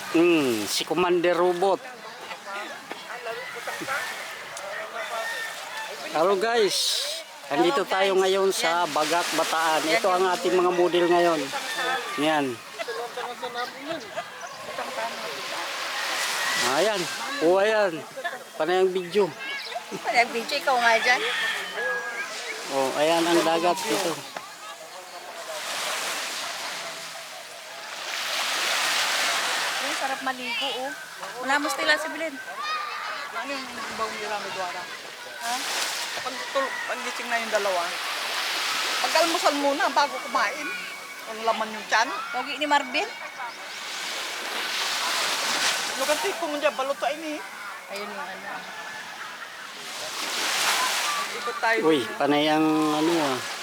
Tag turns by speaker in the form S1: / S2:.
S1: Si Commander Robot. Hello guys, andito tayo ngayon sa Bagak, Bataan. Ito ang ating mga model ngayon. Yan. Ayan. O ayan. Panay ang video.
S2: Panay ang video, ikaw nga dyan.
S1: O ayan ang dagat dito.
S2: Ay, sarap maligo, oh. Manamos nila si Belen.
S3: Ano yung ibang mirami doon?
S2: Ha?
S3: Pag-gising na yung dalawa, pag-almusal muna bago kumain. Kung laman yung tiyan.
S2: Pogi ni Marvin.
S3: Luganti ko mo dyan, balutain eh.
S2: Ayun yung ano.
S3: Ikot tayo.
S1: Uy, panay ang ano ah.